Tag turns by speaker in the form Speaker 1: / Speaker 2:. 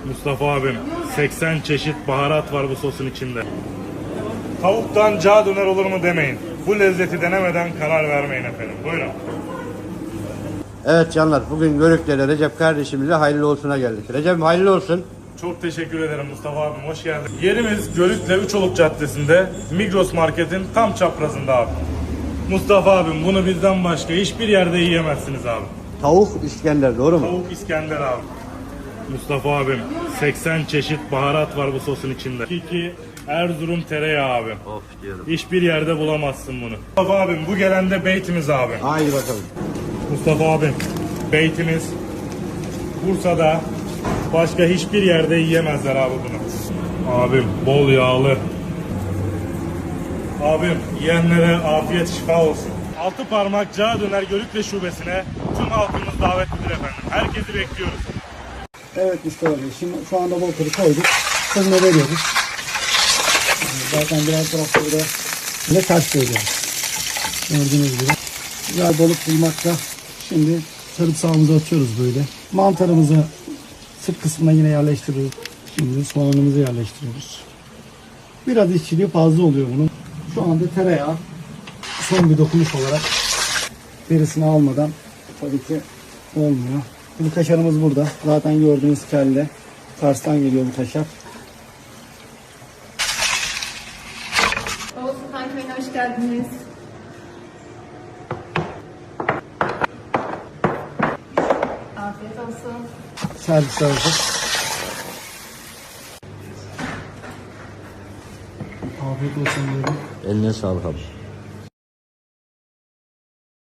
Speaker 1: Mustafa abim, 80 çeşit baharat var bu sosun içinde. Tavuktan cağ döner olur mu demeyin. Bu lezzeti denemeden karar vermeyin efendim. Buyurun.
Speaker 2: Evet canlar, bugün Görük'te Recep kardeşimizle hayırlı olsuna geldik. Recep hayırlı olsun.
Speaker 1: Çok teşekkür ederim Mustafa abim, hoş geldin. Yerimiz Görük'le Üçoluk Caddesi'nde, Migros Market'in tam çaprazında abi. Mustafa abim, bunu bizden başka hiçbir yerde yiyemezsiniz abi.
Speaker 2: Tavuk İskender, doğru mu?
Speaker 1: Tavuk İskender abi. Mustafa abim, 80 çeşit baharat var bu sosun içinde. Kiki, Erzurum tereyağı abi.
Speaker 2: Of diyorum.
Speaker 1: Hiçbir yerde bulamazsın bunu. Mustafa abim, bu gelen de beytimiz abi.
Speaker 2: Haydi bakalım.
Speaker 1: Mustafa abim, beytimiz Bursa'da başka hiçbir yerde yiyemezler abi bunu. Abim, bol yağlı. Abim, yiyenlere afiyet şifa olsun. Altı parmak cağ döner Görükle şubesine tüm halkımız davetlidir efendim. Herkesi bekliyoruz.
Speaker 3: Evet Mustafa Bey, şimdi şu anda balıkları koyduk. Fırına veriyoruz. Zaten diğer tarafta da yine ters veriyoruz. Gördüğünüz gibi. Güzel balık bulmakla şimdi sarımsağımızı atıyoruz böyle. Mantarımızı sırt kısmına yine yerleştiriyoruz. Şimdi soğanımızı yerleştiriyoruz. Biraz işçiliği fazla oluyor bunun. Şu anda tereyağı son bir dokunuş olarak derisini almadan tabii ki olmuyor. Bu kaşarımız burada. Zaten gördüğünüz kelle. Kars'tan geliyor bu kaşar.
Speaker 4: Oğuz Sultan Köyü'ne hoş geldiniz. Afiyet olsun.
Speaker 3: Servis hazır. Afiyet olsun diyorum.
Speaker 2: Eline sağlık abi.